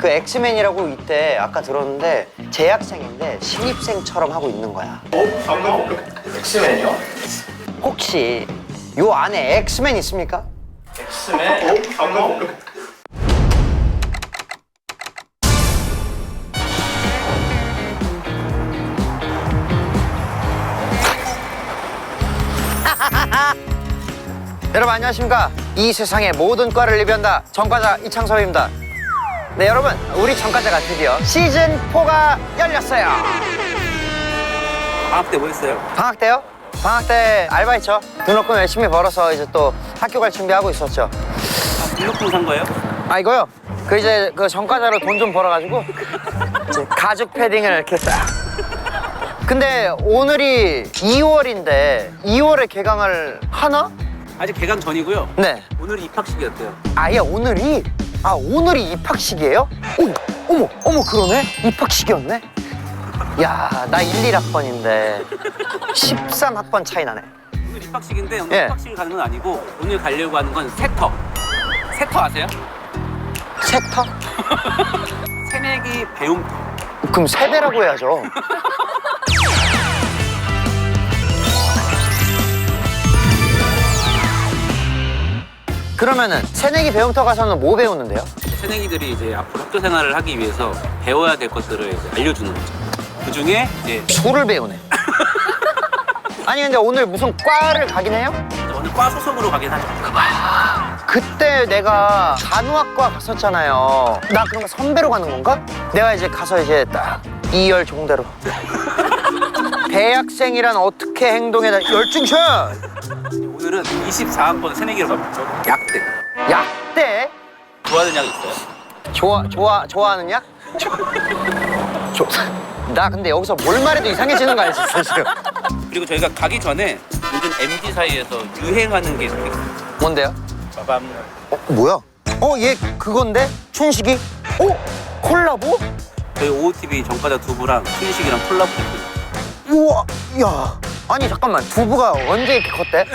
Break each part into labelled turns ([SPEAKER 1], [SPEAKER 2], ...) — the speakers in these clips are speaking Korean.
[SPEAKER 1] 그 엑스맨이라고 이때 아까 들었는데 재학생인데 신입생처럼 하고 있는 거야.
[SPEAKER 2] 엑스맨이요?
[SPEAKER 1] 혹시 요 안에 엑스맨 있습니까?
[SPEAKER 2] 엑스맨?
[SPEAKER 1] 여러분 안녕하십니까? 이 세상의 모든 과를 리뷰한다 전과자 이창섭입니다. 네 여러분, 우리 전과자가 드디어 시즌4가 열렸어요.
[SPEAKER 3] 방학 때 뭐 했어요?
[SPEAKER 1] 방학 때요? 방학 때 알바했죠. 등록금 열심히 벌어서 이제 또 학교 갈 준비하고 있었죠.
[SPEAKER 3] 등록금 산 거예요?
[SPEAKER 1] 아 이거요? 그 이제 그 전과자로 돈 좀 벌어가지고 이제 가죽 패딩을 이렇게 딱. 근데 오늘이 2월인데 2월에 개강을 하나?
[SPEAKER 3] 아직 개강 전이고요.
[SPEAKER 1] 네.
[SPEAKER 3] 오늘이 입학식이었대요.
[SPEAKER 1] 아예 오늘이? 아 오늘이 입학식이에요? 어머 그러네? 입학식이었네? 야 나 1, 1학번인데 13학번 차이 나네.
[SPEAKER 3] 오늘 입학식인데 오늘
[SPEAKER 1] 예.
[SPEAKER 3] 입학식을 가는 건 아니고 오늘 가려고 하는 건 세터. 세터 아세요?
[SPEAKER 1] 세터?
[SPEAKER 3] 새내기 배움터.
[SPEAKER 1] 그럼 세배라고 해야죠. 그러면은 새내기 배움터 가서는 뭐 배우는데요?
[SPEAKER 3] 새내기들이 이제 앞으로 학교 생활을 하기 위해서 배워야 될 것들을 이제 알려주는 거죠. 그 중에 이제
[SPEAKER 1] 술을 배우네. 아니 근데 오늘 무슨 과를 가긴 해요?
[SPEAKER 3] 오늘 과 소속으로 가긴 하죠.
[SPEAKER 1] 그때 내가 간호학과 갔었잖아요. 나 그런 거 선배로 가는 건가? 내가 이제 가서 이제 딱 이열 종대로 대학생이란 어떻게 행동해야 열중셔!
[SPEAKER 3] 오늘은 24학번 새내기로 갑니다. 약대.
[SPEAKER 1] 약대?
[SPEAKER 3] 좋아하는 약 있어요?
[SPEAKER 1] 좋아하는 약? 나 근데 여기서 뭘 말해도 이상해지는 거 알지, 사실.
[SPEAKER 3] 그리고 저희가 가기 전에 요즘 MZ 사이에서 유행하는 게 있어요.
[SPEAKER 1] 뭔데요?
[SPEAKER 3] 빠밤.
[SPEAKER 1] 뭐야? 얘 그건데? 춘식이? 콜라보?
[SPEAKER 3] 저희 OOTV 전과자 두부랑 춘식이랑 콜라보 했거든요.
[SPEAKER 1] 우와, 야. 아니 잠깐만, 두부가 언제 이렇게 컸대?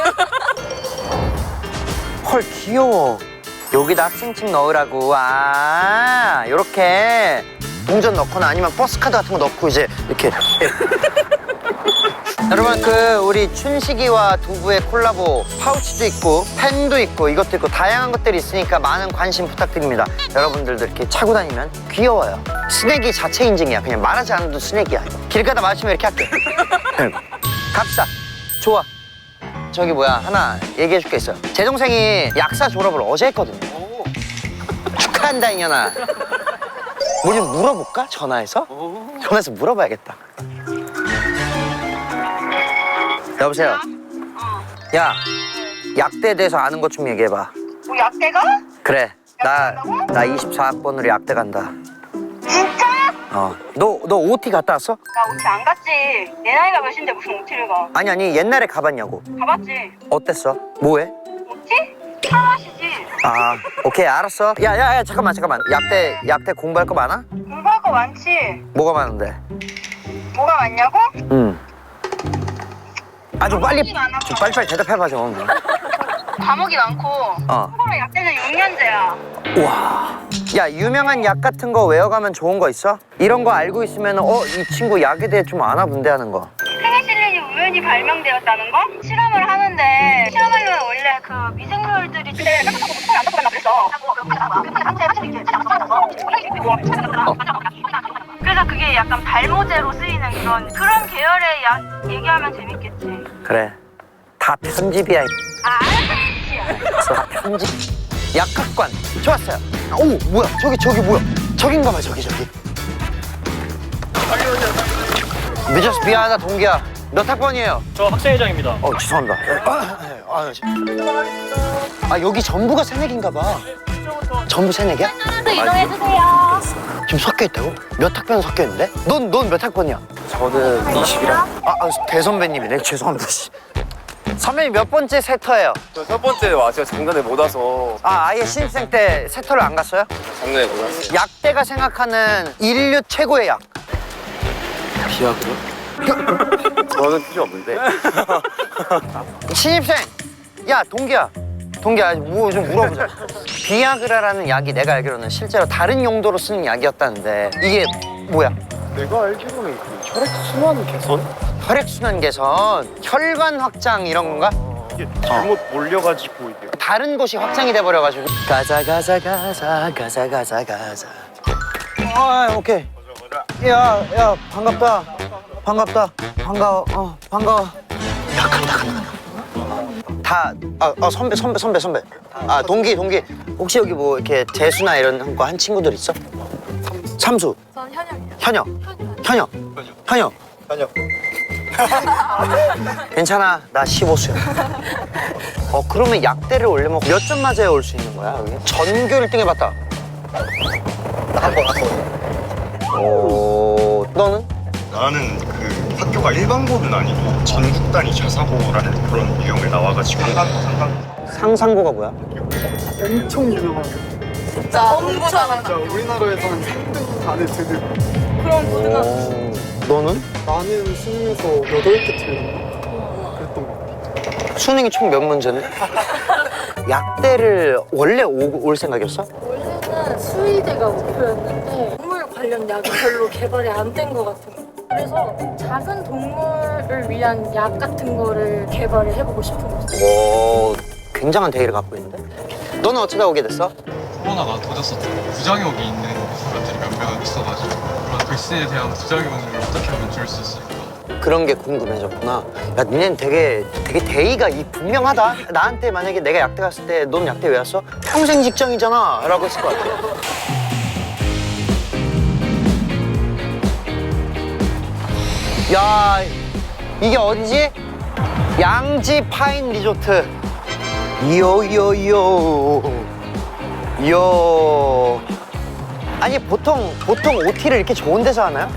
[SPEAKER 1] 헐 귀여워. 여기다 학생증 넣으라고. 아, 요렇게 동전 넣거나 아니면 버스카드 같은 거 넣고 이제 이렇게. 여러분 그 우리 춘식이와 두부의 콜라보 파우치도 있고 펜도 있고 이것도 있고 다양한 것들이 있으니까 많은 관심 부탁드립니다. 여러분들도 이렇게 차고 다니면 귀여워요. 스낵이 자체 인증이야. 그냥 말하지 않아도 스낵이야. 길 가다 마시면 이렇게 할게. 갑시다. 좋아. 저기 뭐야 하나 얘기해 줄 게 있어요. 제 동생이 약사 졸업을 어제 했거든요. 축하한다 이년아. 뭐 좀 물어볼까? 전화해서? 전화해서 물어봐야겠다. 여보세요? 야, 약대에 대해서 아는 것 좀 얘기해봐.
[SPEAKER 4] 뭐 약대가?
[SPEAKER 1] 그래, 나 24학번으로 약대 간다.
[SPEAKER 4] 진짜?
[SPEAKER 1] 너 OT 갔다 왔어?
[SPEAKER 4] 나 OT 안 갔지. 내 나이가 몇인데 무슨 OT를 가?
[SPEAKER 1] 아니, 옛날에 가봤냐고.
[SPEAKER 4] 가봤지.
[SPEAKER 1] 어땠어? 뭐해?
[SPEAKER 4] OT? 술 마시지.
[SPEAKER 1] 아, 오케이, 알았어. 야, 잠깐만. 약대 공부할 거 많아?
[SPEAKER 4] 공부할 거 많지.
[SPEAKER 1] 뭐가 많은데?
[SPEAKER 4] 뭐가 많냐고?
[SPEAKER 1] 아, 좀 빨리
[SPEAKER 4] 많아.
[SPEAKER 1] 빨리 대답해봐, 좀.
[SPEAKER 4] 과목이 많고.
[SPEAKER 1] 어.
[SPEAKER 4] 참고로 약대는 6년제야.
[SPEAKER 1] 와. 야, 유명한 약 같은 거 외워가면 좋은 거 있어? 이런 거 알고 있으면 이 친구 약에 대해 좀 아나 본데 하는 거.
[SPEAKER 4] 페니실린이 우연히 발명되었다는 거? 실험을 하는데 실험하려면 원래 그 미생물들이 깜짝하고 못하게 안 잡혀간다 그랬어. 그래서 그게 약간 발모제로 쓰이는 그런 계열의 약 얘기하면 재밌겠지.
[SPEAKER 1] 그래. 다 편집이야.
[SPEAKER 4] 알았어.
[SPEAKER 1] 다 편집. 약학관. 좋았어요. 오, 뭐야? 저기 뭐야? 저긴가 봐, 저기. 늦어서 미안하다, 동기야. 몇 학번이에요?
[SPEAKER 2] 저 학생회장입니다.
[SPEAKER 1] 죄송합니다. 여기 전부가 새내기인가 봐. 전부 새내기야?
[SPEAKER 4] 또 이동해주세요.
[SPEAKER 1] 지금 섞여 있다고? 몇 학번 섞여 있는데? 넌 몇 학번이야?
[SPEAKER 2] 저는 20이랑.
[SPEAKER 1] 대선배님이네. 죄송합니다. 씨. 선배님 몇 번째 세터예요?
[SPEAKER 2] 저 첫 번째 왔어요. 작년에 못 와서.
[SPEAKER 1] 아예 신입생 때 세터를 안 갔어요?
[SPEAKER 2] 작년에 못 왔어요.
[SPEAKER 1] 약대가 생각하는 인류 최고의 약.
[SPEAKER 2] 비약이요? 저는 필요 없는데.
[SPEAKER 1] 신입생! 야, 동기야. 동기 좀 물어보자. 비아그라라는 약이 내가 알기로는 실제로 다른 용도로 쓰는 약이었다는데 이게 뭐야?
[SPEAKER 2] 내가 알기로는 그 혈액순환 개선?
[SPEAKER 1] 혈액순환 개선, 혈관 확장 이런 건가?
[SPEAKER 2] 이게 잘못 몰려가지고 이게
[SPEAKER 1] 다른 곳이 확장이 돼버려가지고 가자. 아 오케이. 야 반갑다. 반가워. 반가워. 야 간다. 선배. 아 동기. 혹시 여기 뭐 이렇게 재수나 이런 거 한 친구들 있어? 삼수.
[SPEAKER 5] 전 현역이요.
[SPEAKER 1] 현역. 괜찮아. 나 15수야. 그러면 약대를 원래 뭐 몇 점 맞아야 올 수 있는 거야? 여기? 전교 1등 해봤다. 한 번. 너는?
[SPEAKER 6] 나는 그 학교가 일반고는 아니고 전국 단위 자사고라는 그런 유형을 나와가지고
[SPEAKER 1] 상상고가 뭐야?
[SPEAKER 7] 엄청 유명한
[SPEAKER 5] 진짜 공부 잘하는
[SPEAKER 7] 진짜 우리나라에서 한 3등 안에 드는.
[SPEAKER 5] 그런 고등학교.
[SPEAKER 1] 너는?
[SPEAKER 7] 나는 수능에서 8개 틀린 그랬던 것 같아.
[SPEAKER 1] 수능이 총 몇 문제인데? 약대를 원래 올 생각이었어?
[SPEAKER 5] 원래는 수의대가 목표였는데 동물 관련 약이 별로 개발이 안 된 것 같은 거예요. 그래서 작은 동물을 위한 약 같은 거를 개발을 해보고 싶은 거죠.
[SPEAKER 1] 오, 굉장한 대의를 갖고 있는데? 너는 어쩌다 오게 됐어?
[SPEAKER 8] 코로나가 터졌었잖아요. 부작용이 있는 사람들이 몇 명 있어가지고 그런 글씨에 대한 부작용을 어떻게 하면 줄일 수 있을까?
[SPEAKER 1] 그런 게 궁금해졌구나. 야, 니네는 되게 대의가 분명하다. 나한테 만약에 내가 약대 갔을 때 넌 약대 왜 왔어? 평생 직장이잖아 라고 했을 것 같아. 야, 이게 어디지? 양지 파인 리조트. 요. 아니 보통 OT를 이렇게 좋은 데서 하나요?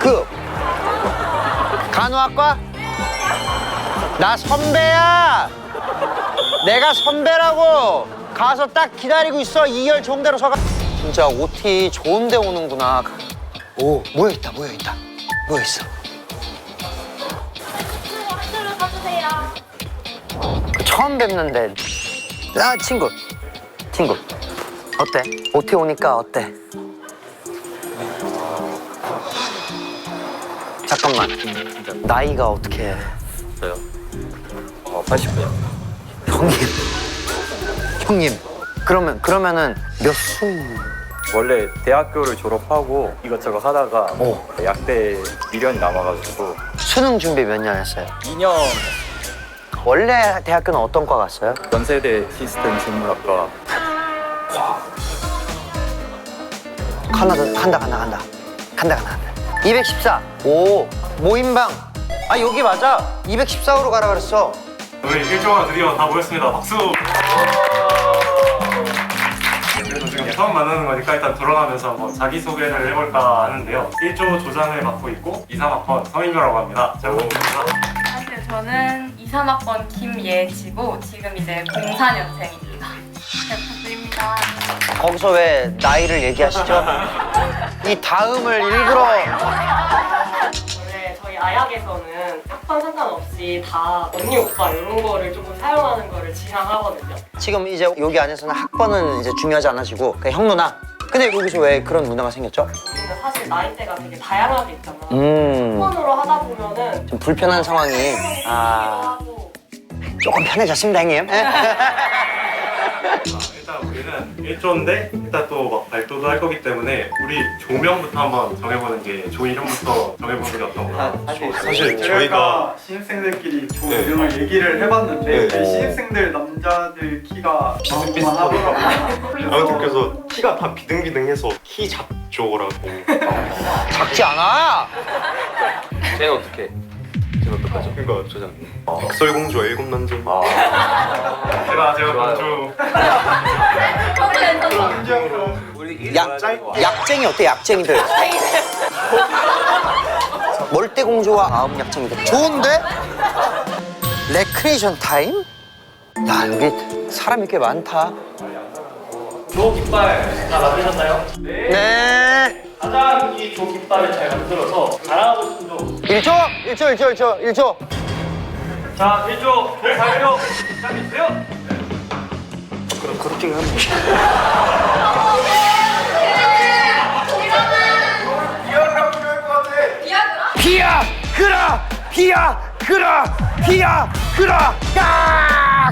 [SPEAKER 1] 간호학과? 나 선배야. 내가 선배라고. 가서 딱 기다리고 있어. 2열 종대로 서가. 진짜 OT 좋은 데 오는구나. 오, 모여있다. 모여있어. 처음 뵙는데. 친구. 어때? OT 오니까 어때? 잠깐만. 나이가 어떻게 해?
[SPEAKER 2] 저요? 80분이요.
[SPEAKER 1] 형님. 그러면은 몇 수?
[SPEAKER 9] 원래 대학교를 졸업하고 이것저것 하다가
[SPEAKER 1] 오.
[SPEAKER 9] 약대 미련이 남아가지고
[SPEAKER 1] 수능 준비 몇 년 했어요?
[SPEAKER 9] 2년
[SPEAKER 1] 원래 대학교는 어떤 과 갔어요?
[SPEAKER 9] 연세대 시스템 생물학과
[SPEAKER 1] 간다. 214. 오, 모임방. 아, 여기 맞아. 214호로 가라 그랬어.
[SPEAKER 10] 우리 1조가 드디어 다 모였습니다. 박수! 그래서 지금 처음 만나는 거니까 일단 돌아가면서 한번 자기소개를 해볼까 하는데요. 1조 조장을 맡고 있고 2, 3학번 성인규라고 합니다. 잘 부탁드립니다.
[SPEAKER 11] 안녕하세요. 저는 2, 3학번 김예지고 지금 이제 04년생입니다. 잘 부탁드립니다.
[SPEAKER 1] 거기서 왜 나이를 얘기하시죠? 이 다음을 일부러.
[SPEAKER 11] 원래 저희 아약에서는 학번 상관없이 다 언니 오빠 이런 거를 조금 사용하는 거를 지향하거든요.
[SPEAKER 1] 지금 이제 여기 안에서는 학번은 이제 중요하지 않아지고 그냥 형 누나. 근데 여기서 왜 그런 문화가 생겼죠?
[SPEAKER 11] 우리는 사실 나이대가 되게 다양하게 있잖아.
[SPEAKER 1] 음.
[SPEAKER 11] 학번으로 하다 보면은
[SPEAKER 1] 좀 불편한 상황이. 아,
[SPEAKER 11] 하고
[SPEAKER 1] 조금 편해졌습니다, 형님.
[SPEAKER 10] 일단 우리는 1조인데 일단 또 막 발표도 할 거기 때문에 우리 조명부터 한번 정해보는 게 조 이름부터 정해보는 게 어떤가.
[SPEAKER 6] 사실 저희가
[SPEAKER 7] 신입생들끼리 조
[SPEAKER 6] 네.
[SPEAKER 7] 이름을 얘기를 해봤는데
[SPEAKER 6] 네.
[SPEAKER 7] 신입생들 남자들 키가 비슷비슷만 하더라고요.
[SPEAKER 6] 아무튼 그래서 키가 다 비등비등해서 키 잡조라고
[SPEAKER 1] 작지 않아.
[SPEAKER 2] 쟤는 어떻게? 쟤는 어떡하죠?
[SPEAKER 6] 그러니까
[SPEAKER 2] 조장님.
[SPEAKER 6] 백설공주와 일곱 남자
[SPEAKER 10] 제가 공주.
[SPEAKER 1] 약쟁이 어때? 약쟁이들. 멀대공주와 아홉 약쟁이들. 좋은데? 레크레이션 타임? 야, 여기 사람이 꽤 많다.
[SPEAKER 10] 조 깃발 다 만드셨나요?
[SPEAKER 1] 네.
[SPEAKER 10] 가장 이 조 깃발을 잘 만들어서 자랑하고 싶은 조.
[SPEAKER 1] 1조.
[SPEAKER 10] 자, 1조 조 발표 시작해주세요.
[SPEAKER 2] 그렇긴 합니다.
[SPEAKER 1] 비야 그라 비야 그라 비야 그라 야!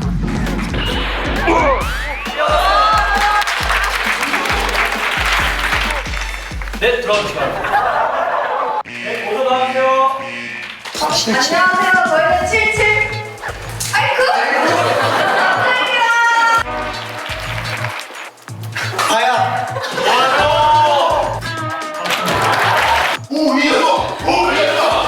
[SPEAKER 10] 네, 들어주시면. 네, 모두 나와주세요.
[SPEAKER 4] 안녕하세요. 저희는 77. 아이쿠.
[SPEAKER 6] 가야. 오 위에서. 오 위에서.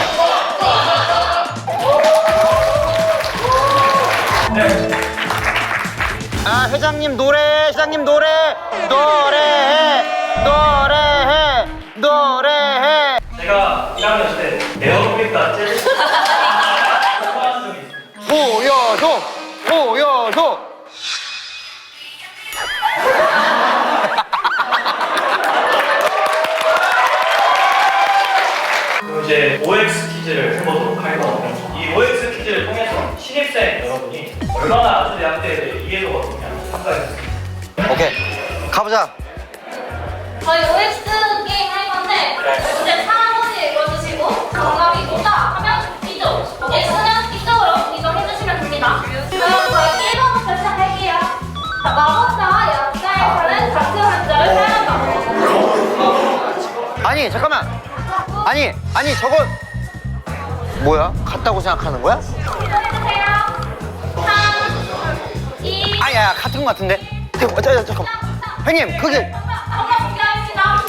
[SPEAKER 1] 아 회장님 노래 회장님 노래해 노래해
[SPEAKER 10] 제가 1학년 때 에어로빅 제일
[SPEAKER 1] 보여줘
[SPEAKER 10] 그럼 이제 OX 퀴즈를 해보도록 하겠습니다. 이 OX 퀴즈를 통해서 신입생 여러분이 얼마나 아주대학교에 대해 이해도가 높냐 평가해주세요.
[SPEAKER 1] 오케이 가보자
[SPEAKER 4] 저희 OX 게임 할 건데 문제 상황문제 읽어주시고 정답이 뭐다 하면 이쪽 X는 이쪽으로 이동해주시면 됩니다. 그럼 저희 1번부터 시작할게요. 마법사와 역사에서는 같은 한자를 사용한다.
[SPEAKER 1] 아니 잠깐만 아니 저거 뭐야 같다고 생각하는 거야?
[SPEAKER 4] 이동해주세요. 3, 2,
[SPEAKER 1] 아야 같은 거 같은데 잠깐만 형님 그게
[SPEAKER 4] 정답 공개하겠습니다.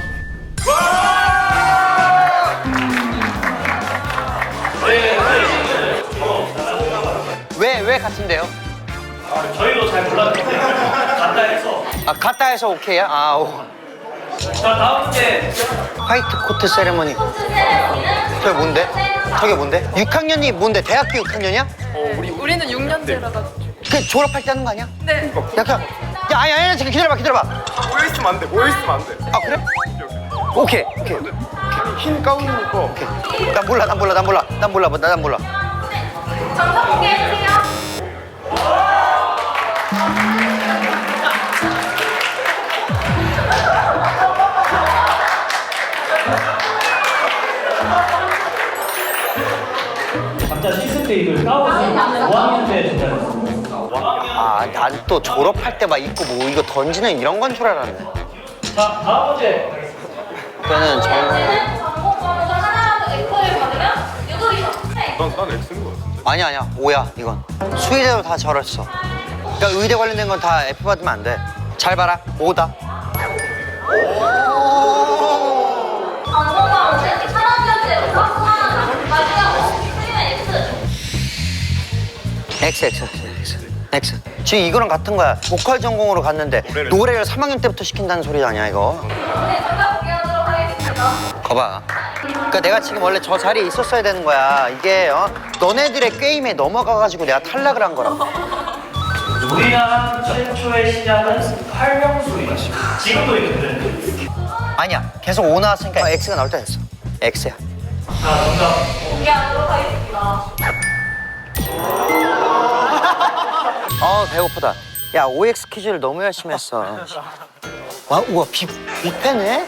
[SPEAKER 1] 왜 같은데요?
[SPEAKER 10] 저희도 잘 몰랐는데 간다 해서.
[SPEAKER 1] 아 같다 해서 오케이야? 아 오.
[SPEAKER 10] 자, 다음 문제.
[SPEAKER 1] 화이트 코트 세레머니 저게 뭔데? 저게 뭔데? 6학년이 뭔데? 대학교 6학년이야?
[SPEAKER 5] 우리는 6년제라가.
[SPEAKER 1] 그 졸업할 때 하는 거 아니야?
[SPEAKER 5] 네.
[SPEAKER 1] 야 아니 지금 기다려봐
[SPEAKER 6] 모여있으면 안 돼. 모여있으면 안 돼.
[SPEAKER 1] 아 그래? 오케이
[SPEAKER 6] 흰 가운이니까.
[SPEAKER 1] 오케이 난 몰라
[SPEAKER 4] 정답 공개해주세요.
[SPEAKER 10] 각자 시스테이블 까오는 5학년 때 준비했습니다.
[SPEAKER 1] 난 또 졸업할 때 막 입고 뭐 이거 던지는 이런 건 줄 알았네
[SPEAKER 10] 자, 다음 문제.
[SPEAKER 1] 그거는
[SPEAKER 4] 문제는 전공번호가 하나라도 F를 받으면 유도리죠.
[SPEAKER 6] 난 X인 거 같은데.
[SPEAKER 1] 아니야 5야 이건 수의대도 다 저랬어 그러니까 의대 관련된 건 다 F 받으면 안돼잘 봐라 5다
[SPEAKER 4] 전공번호는 3학년제부터 수강하는 마지막으로 X.
[SPEAKER 1] X 지금 이거랑 같은 거야 보컬 전공으로 갔는데 노래를 3학년 때부터 시킨다는 소리 아니야 이거
[SPEAKER 4] 네, 정답 공개하도록 하겠습니다.
[SPEAKER 1] 거봐 그러니까 내가 지금 원래 저 자리에 있었어야 되는 거야 이게 너네들의 게임에 넘어가가지고 내가 탈락을 한 거라고
[SPEAKER 10] 우리나라 최초의 시작은 활명수이다. 지금도 이렇게 되는데.
[SPEAKER 1] 아니야 계속 5 나왔으니까 X가 나올 때 됐어 X야
[SPEAKER 10] 자, 정답.
[SPEAKER 4] 공개하도록 하겠습니다.
[SPEAKER 1] 배고프다 야 OX 퀴즈를 너무 열심히 했어 우와 뷔페네?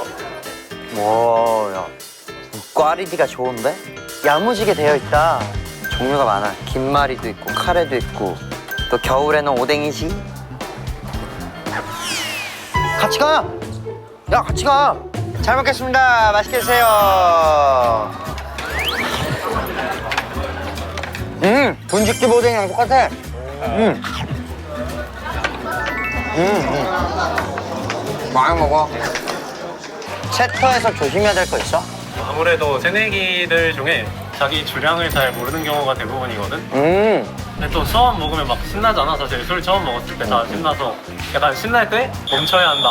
[SPEAKER 1] 와야 꽈리디가 좋은데? 야무지게 되어 있다 종류가 많아 김말이도 있고 카레도 있고 또 겨울에는 오뎅이지 같이 가! 야 같이 가! 잘 먹겠습니다 맛있게 드세요 분식집 오뎅이랑 똑같아 많이 먹어 챕터에서 조심해야 될 거 있어?
[SPEAKER 10] 아무래도 새내기들 중에 자기 주량을 잘 모르는 경우가 대부분이거든. 근데 또 처음 먹으면 막 신나잖아. 사실 술 처음 먹었을 때 다 신나서 약간 신날 때 멈춰야 한다.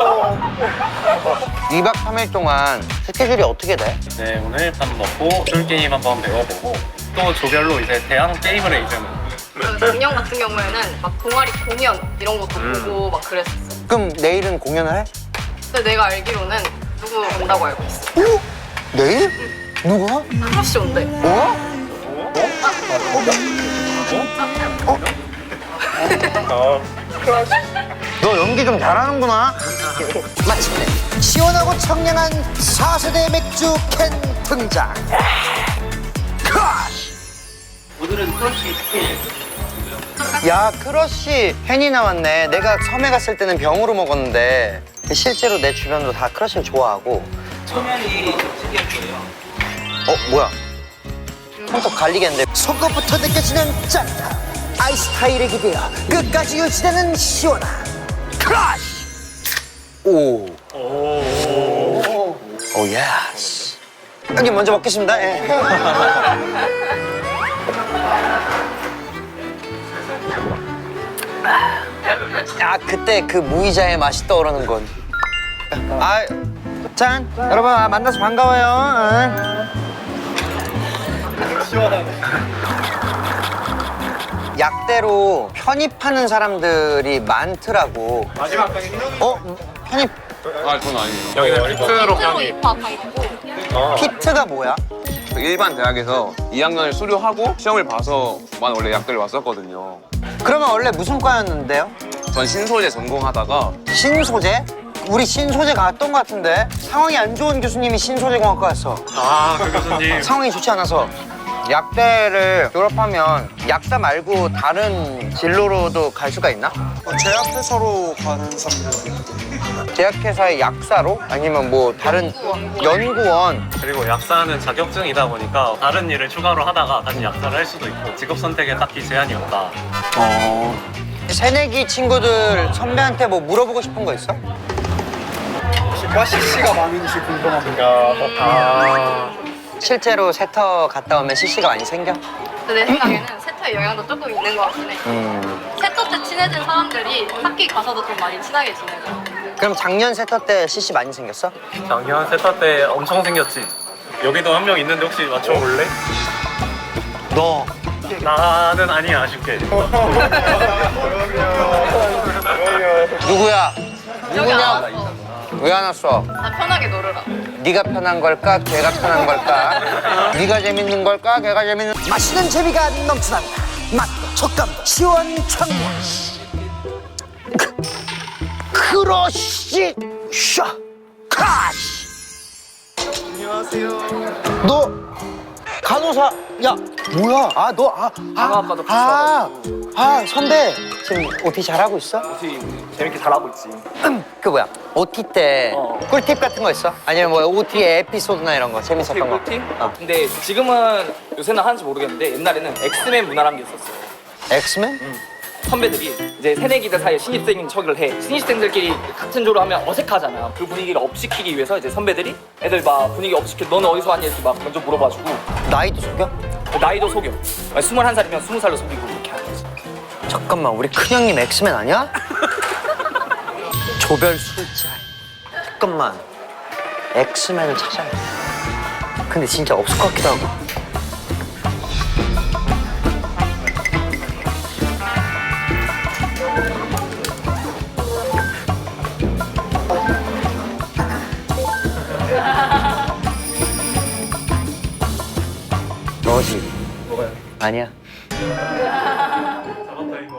[SPEAKER 1] 2박 3일 동안 스케줄이 어떻게 돼?
[SPEAKER 10] 네, 오늘 밥 먹고 술 게임 한번 배워보고 또 조별로 이제 대학 게임을 해 이제는.
[SPEAKER 11] 작년 같은 경우에는 막 동아리 공연 이런 것도 보고 막 그랬었어.
[SPEAKER 1] 그럼 내일은 공연을 해?
[SPEAKER 11] 근데 내가 알기로는 누구 온다고 알고 있어.
[SPEAKER 1] 오? 내일? 누구야?
[SPEAKER 11] 크러쉬 온대.
[SPEAKER 1] 어? 너 연기 좀 잘하는구나. 마침내 시원하고 청량한 4세대 맥주 캔 등장.
[SPEAKER 3] 오늘은 크러쉬 치킨.
[SPEAKER 1] 야, 크러쉬 캔이 나왔네. 내가 섬에 갔을 때는 병으로 먹었는데 실제로 내 주변도 다 크러쉬를 좋아하고.
[SPEAKER 3] 소면이 특이할 거예요.
[SPEAKER 1] 뭐야? 손톱 갈리겠는데. 속것부터 느껴지는 짠함. 아이스 타일에 기대어 끝까지 유지되는 시원함. 크러쉬. 오. 오 예스. 여기 먼저 먹겠습니다. 예. 아, 그때 그 무이자의 맛이 떠오르는 건. 짠! 여러분, 만나서 반가워요.
[SPEAKER 2] 시원하네.
[SPEAKER 1] 약대로 편입하는 사람들이 많더라고.
[SPEAKER 2] 마지막 강의
[SPEAKER 1] 편입.
[SPEAKER 2] 아, 그건 아니에요. 여기는 피트로 강의.
[SPEAKER 1] 피트가 뭐야?
[SPEAKER 12] 일반 대학에서 2학년을 수료하고 시험을 봐서만 원래 약대를 왔었거든요.
[SPEAKER 1] 그러면 원래 무슨 과였는데요?
[SPEAKER 12] 전 신소재 전공하다가
[SPEAKER 1] 신소재? 우리 신소재 갔던 것 같은데 상황이 안 좋은 교수님이 신소재공학과였어.
[SPEAKER 10] 아, 그 교수님.
[SPEAKER 1] 상황이 좋지 않아서. 약대를 졸업하면 약사 말고 다른 진로로도 갈 수가 있나?
[SPEAKER 7] 제약회사로 가는 사람들.
[SPEAKER 1] 제약회사의 약사로? 아니면 뭐 다른 연구원?
[SPEAKER 10] 그리고 약사는 자격증이다 보니까 다른 일을 추가로 하다가 다시 약사를 할 수도 있고 직업 선택에 딱히 제한이 없다.
[SPEAKER 1] 새내기 친구들 선배한테 뭐 물어보고 싶은 거 있어?
[SPEAKER 7] 혹시 과 CC가 많은지 궁금합니다.
[SPEAKER 1] 실제로 세터 갔다 오면 CC가 많이 생겨?
[SPEAKER 5] 내 생각에는 세터의 영향도 조금 있는 것 같긴 해. 세터 때 친해진 사람들이 학기 가서도 좀 많이 친하게 지내고.
[SPEAKER 1] 그럼 작년 세터 때 CC 많이 생겼어?
[SPEAKER 10] 작년 세타 때 엄청 생겼지. 여기도 한 명 있는데 혹시 맞춰볼래?
[SPEAKER 1] 너.
[SPEAKER 10] 나는 아니야, 아쉽게.
[SPEAKER 1] 누구야? 누구냐? 왜 안 왔어?
[SPEAKER 5] 나 편하게 놀으라.
[SPEAKER 1] 네가 편한 걸까? 걔가 편한 걸까? 네가 재밌는 걸까? 걔가 재밌는. 맛있는 재미가 넘쳐난다. 맛도 촉감도 시원청량. 크러쉬 샤 크러쉬. 안녕하세요. 너 간호사. 야 뭐야? 선배 지금 OT 잘하고 있어?
[SPEAKER 9] 혹시 재밌게 잘하고 있지?
[SPEAKER 1] 그 뭐야? OT 때 꿀팁 같은 거 있어? 아니면 뭐 OT의 에피소드나 이런 거 재밌었던 거?
[SPEAKER 9] 꿀팁?
[SPEAKER 1] 어.
[SPEAKER 9] 근데 지금은 요새는 하는지 모르겠는데 옛날에는 엑스맨 문화라는 게 있었어.
[SPEAKER 1] 엑스맨?
[SPEAKER 9] 선배들이 이제 새내기들 사이에 신입생인 척을 해. 신입생들끼리 같은 조를 하면 어색하잖아. 그 분위기를 업시키기 위해서 이제 선배들이 애들 막 분위기 업시켜. 너는 어디서 왔니? 이렇게 막 먼저 물어봐주고.
[SPEAKER 1] 나이도 속여?
[SPEAKER 9] 나이도 속여. 21살이면 20살로 속이고 그렇게 하는 거지.
[SPEAKER 1] 잠깐만 우리 큰형님 엑스맨 아니야? 조별 술자리. 잠깐만 엑스맨을 찾아야 돼. 근데 진짜 없을 것 같기도 하고. 너지?
[SPEAKER 10] 뭐가요?
[SPEAKER 1] 아니야.
[SPEAKER 10] 잡았다 이거.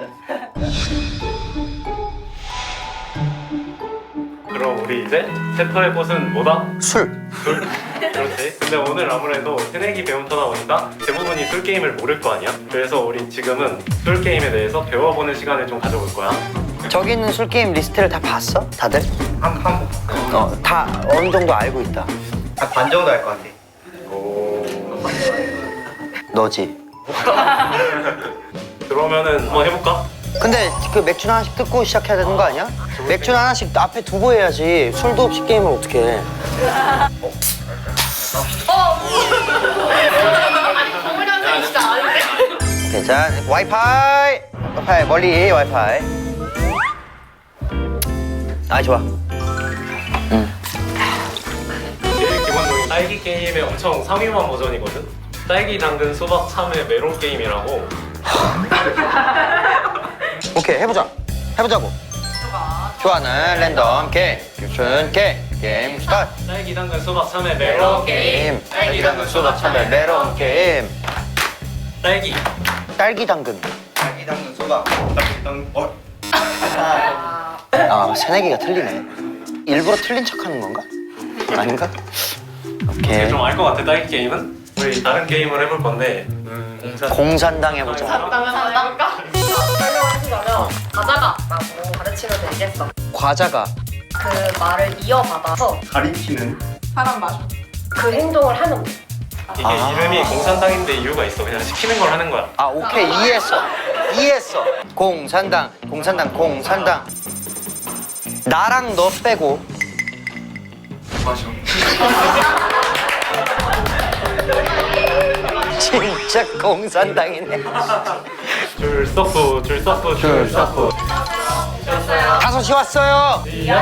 [SPEAKER 10] 그럼 우리 이제 세터의 꽃은 뭐다?
[SPEAKER 1] 술.
[SPEAKER 10] 술? 그렇지. 근데 오늘 아무래도 새내기 배움터다 보니까 대부분이 술 게임을 모를 거 아니야? 그래서 우리 지금은 술 게임에 대해서 배워보는 시간을 좀 가져볼 거야.
[SPEAKER 1] 저기 있는 술 게임 리스트를 다 봤어? 다들?
[SPEAKER 2] 한 번.
[SPEAKER 1] 다 어느 정도 알고 있다.
[SPEAKER 2] 반 정도 할 것 같아.
[SPEAKER 1] 너지?
[SPEAKER 10] 그러면은 한번 해볼까?
[SPEAKER 1] 근데 그 맥주 하나씩 뜯고 시작해야 되는 거 아니야? 맥주 하나씩 앞에 두고 해야지. 술도 없이 게임을 어떻게 해?
[SPEAKER 5] 정우량 진짜 아닌데?
[SPEAKER 1] 오케이, 자, 와이파이! 와이파이, 멀리 와이파이. 아, 좋아.
[SPEAKER 10] 제일 기본적인 딸기 게임의 엄청 상위만 버전이거든? 딸기, 당근, 수박, 참외, 메론 게임이라고.
[SPEAKER 1] 오케이, 해보자고. 좋아하는 랜덤 게임. 교춘 게임 스타트.
[SPEAKER 10] 딸기, 당근, 수박, 참외, 메론 게임.
[SPEAKER 1] 딸기, 당근, 수박, 참외, 메론 게임.
[SPEAKER 10] 딸기.
[SPEAKER 1] 딸기, 당근.
[SPEAKER 2] 딸기 당근 소다.
[SPEAKER 1] 아, 새내기가 틀리네. 일부러 틀린 척하는 건가? 아닌가? 오케이.
[SPEAKER 10] 좀 알 것 같아. 딸기 게임은 우리 다른 게임을 해볼 건데
[SPEAKER 1] 공산당 해보자.
[SPEAKER 11] 산다니까? 설명해주자면 과자가라고 가르치면 되겠어.
[SPEAKER 1] 과자가.
[SPEAKER 11] 그 말을 이어받아서
[SPEAKER 6] 가리키는
[SPEAKER 11] 사람 마셔. 그 행동을 하는 거.
[SPEAKER 10] 이게 이름이 공산당인데 이유가 있어. 그냥 시키는 걸 하는 거야.
[SPEAKER 1] 아, 오케이. 이해했어. 공산당. 나랑 너 빼고.
[SPEAKER 6] 마셔.
[SPEAKER 1] 진짜 공산당이네.
[SPEAKER 10] 줄 서프.
[SPEAKER 1] 5시 왔어요.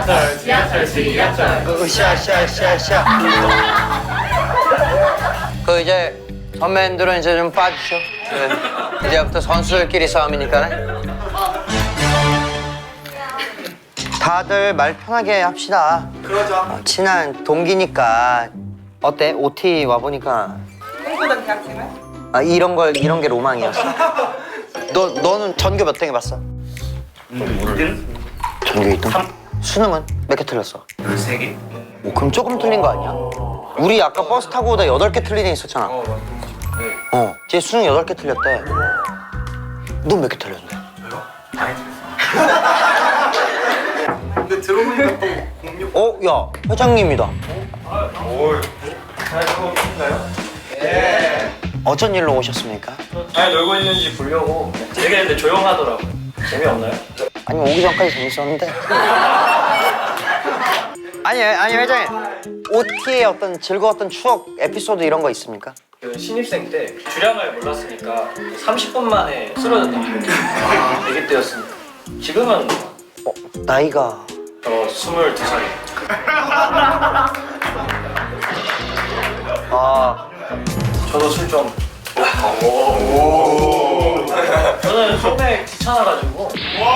[SPEAKER 10] 지하철.
[SPEAKER 1] 으쌰. 그 이제 선배님들은 이제 좀 빠지죠. 네. 이제부터 선수들끼리 싸움이니까. 다들 말 편하게 합시다.
[SPEAKER 7] 그러자.
[SPEAKER 1] 친한 동기니까. 어때? OT 와보니까.
[SPEAKER 11] 꿈꾸던 대학생은?
[SPEAKER 1] 아, 이런 게 로망이었어. 너는 전교 몇 등 해봤어?
[SPEAKER 2] 2등?
[SPEAKER 1] 전교 2등? 수능은 몇 개 틀렸어?
[SPEAKER 2] 3개.
[SPEAKER 1] 오, 그럼 조금 틀린 거 아니야? 우리 아까 버스 타고 오다 8개 틀린 애 있었잖아. 쟤 수능 8개 틀렸대. 넌 몇 개 틀렸는데?
[SPEAKER 7] 근데 들어보니까 또 공룡.
[SPEAKER 1] 야, 회장님이다.
[SPEAKER 2] 오, 잘 놀고 계신가요? 네.
[SPEAKER 1] 어쩐 일로 오셨습니까?
[SPEAKER 10] 잘 놀고 있는지 보려고 되게 근데 조용하더라고요. 재미없나요?
[SPEAKER 1] 아니, 오기 전까지 재밌었는데. 아니, 회장님. OT의 어떤 즐거웠던 추억, 에피소드 이런 거 있습니까?
[SPEAKER 10] 그 신입생 때 주량을 몰랐으니까 30분 만에 쓰러졌던 얘기 때였습니다. 지금은
[SPEAKER 1] 나이가.
[SPEAKER 10] 22살이에요.
[SPEAKER 1] 아,
[SPEAKER 10] 저도 술 좀. 저는 소매 귀찮아가지고.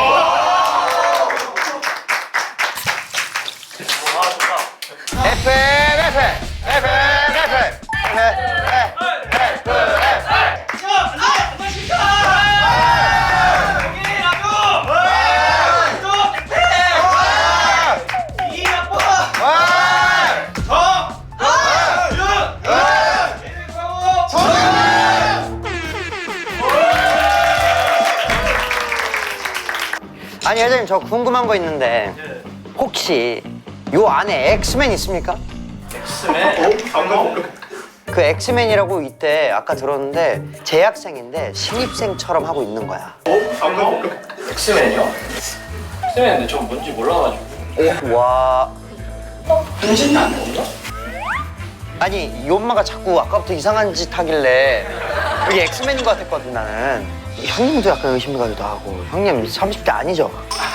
[SPEAKER 1] 아니, 회장님, 저 궁금한 거 있는데 혹시 요 안에 엑스맨 있습니까?
[SPEAKER 10] 엑스맨?
[SPEAKER 1] 그 엑스맨이라고 이때 아까 들었는데 재학생인데 신입생처럼 하고 있는 거야.
[SPEAKER 10] 엑스맨이요? 엑스맨 근데 전 뭔지 몰라가지고.
[SPEAKER 1] 와.
[SPEAKER 10] 변신이 안 된다?
[SPEAKER 1] 아니, 이 엄마가 자꾸 아까부터 이상한 짓 하길래 이게 엑스맨인 것 같았거든, 나는. 형님도 약간 의심이 가기도 하고. 형님 30대 아니죠?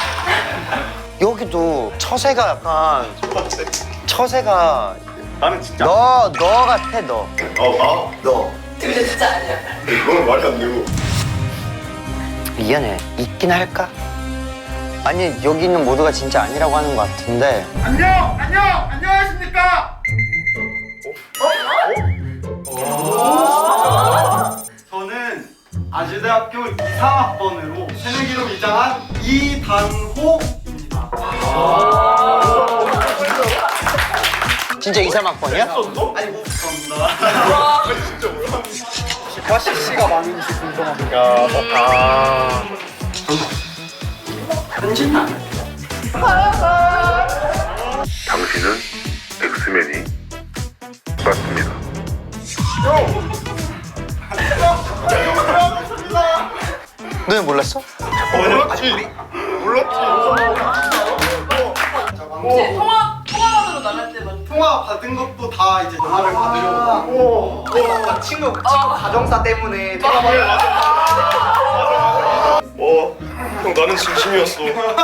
[SPEAKER 1] 여기도 처세가 약간 처세가
[SPEAKER 6] 나는 진짜.
[SPEAKER 1] 너 같아, 너.
[SPEAKER 6] 너.
[SPEAKER 11] 근데 진짜 아니야.
[SPEAKER 6] 이거는 말이 안 되고.
[SPEAKER 1] 미안해. 있긴 할까? 아니, 여기 있는 모두가 진짜 아니라고 하는 것 같은데.
[SPEAKER 7] 안녕하십니까? 저는 아주대학교 이상학번으로 새내기로 입장한 이단호입니다.
[SPEAKER 1] 진짜 2, 3학번이야?
[SPEAKER 7] 아니 뭐 감사합니다. 진짜 뭐야? 기파 CC가 많은지 궁금합니다.
[SPEAKER 13] 당신은 엑스맨이 맞습니다.
[SPEAKER 1] 너는 몰랐어?
[SPEAKER 6] 몰랐지.
[SPEAKER 11] 통화만으로 나갈 때만
[SPEAKER 7] 통화 받은 것도 다 이제 전화를 받으려고 하고 친구 가정사 때문에 통화를
[SPEAKER 6] 형 나는 진심이었어.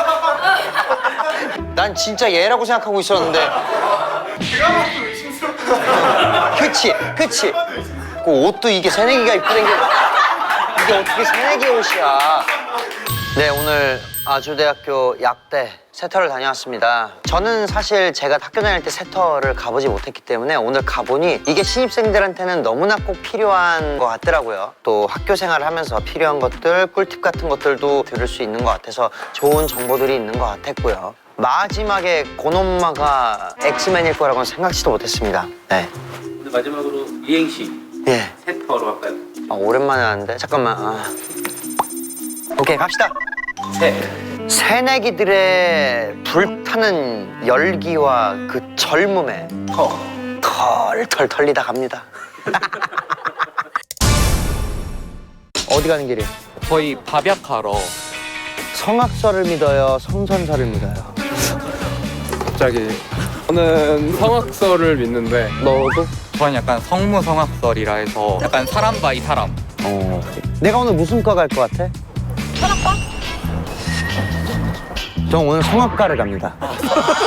[SPEAKER 1] 난 진짜 얘라고 생각하고 있었는데.
[SPEAKER 7] 제가 봐도 의심스럽고.
[SPEAKER 1] 그치. 그 옷도 이게 새내기가 입고 댕겨. 이게 어떻게 새내기 옷이야. 네, 오늘 아주대학교 약대 세터를 다녀왔습니다. 저는 사실 제가 학교 다닐 때 세터를 가보지 못했기 때문에 오늘 가보니 이게 신입생들한테는 너무나 꼭 필요한 것 같더라고요. 또 학교 생활을 하면서 필요한 것들, 꿀팁 같은 것들도 들을 수 있는 것 같아서 좋은 정보들이 있는 것 같았고요. 마지막에 고놈마가 엑스맨일 거라고는 생각지도 못했습니다. 네.
[SPEAKER 3] 근데 마지막으로 이행시
[SPEAKER 1] 예.
[SPEAKER 3] 세터로 할까요?
[SPEAKER 1] 아, 오랜만에 하는데 잠깐만. 오케이, 갑시다. 새내기들의 불타는 열기와 그 젊음에 털털 털리다 갑니다. 어디 가는 길이에요?
[SPEAKER 9] 저희 밥약하러.
[SPEAKER 1] 성악설을 믿어요, 성선설을 믿어요?
[SPEAKER 8] 갑자기 저는 성악설을 믿는데
[SPEAKER 1] 너도?
[SPEAKER 9] 저는 약간 성무성악설이라 해서 약간 사람 바이 사람.
[SPEAKER 1] 내가 오늘 무슨 과 갈 것 같아? 성악과? 전 오늘 성악과를 갑니다.